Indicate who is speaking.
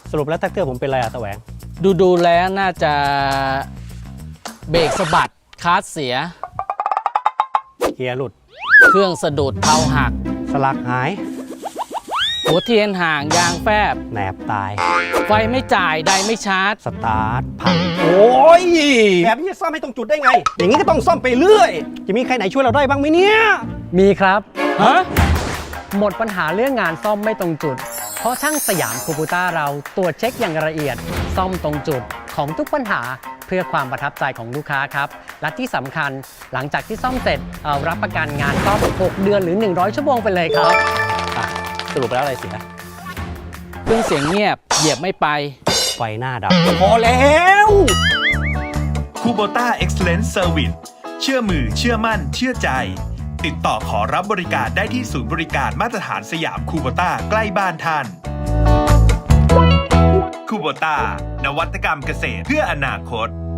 Speaker 1: สรุปแล้วแท็กเตอร์ผมเป็นอะไรอะตะแหวง
Speaker 2: ดูแล้วน่าจะเบรกสะบัดคลัตช์เสีย
Speaker 1: เกียร์หลุด
Speaker 2: เครื่องสะดุดเพลาหัก
Speaker 1: สลักหาย
Speaker 2: หัวเทียนห่างยางแฟบ
Speaker 1: แหนบตาย
Speaker 2: ไฟไม่จ่ายไดไม่ชาร์จ
Speaker 1: สตาร์ทพังโอ้ยแบบนี้จะซ่อมให้ตรงจุดได้ไง อย่างนี้ก็ต้องซ่อมไปเรื่อย จะมีใครไหนช่วยเราได้บ้างไหมเนี่ย
Speaker 3: มีครับ
Speaker 2: ฮะ
Speaker 3: หมดปัญหาเรื่องงานซ่อมไม่ตรงจุด เพราะช่างสยามคูบูต้าเราตรวจเช็คอย่างละเอียด ซ่อมตรงจุดของทุกปัญหาเพื่อความประทับใจของลูกค้าครับ และที่สำคัญหลังจากที่ซ่อมเสร็จรับประกันงานซ่อม 6 เดือนหรือ 100 ชั่วโมงไปเลยครับ
Speaker 1: สรุปแล้วอะไรเสีย
Speaker 2: เครื่องเสียงเงียบเหยียบไม่ไป
Speaker 1: ไฟหน้าดับ พอแล้ว
Speaker 4: คูโบต้า Excellence Service เชื่อมือเชื่อมั่นเชื่อใจ ติดต่อขอรับบริการได้ที่ศูนย์บริการมาตรฐานสยามคูโบต้าใกล้บ้านท่านคูโบต้านวัตกรรมเกษตรเพื่ออนาคต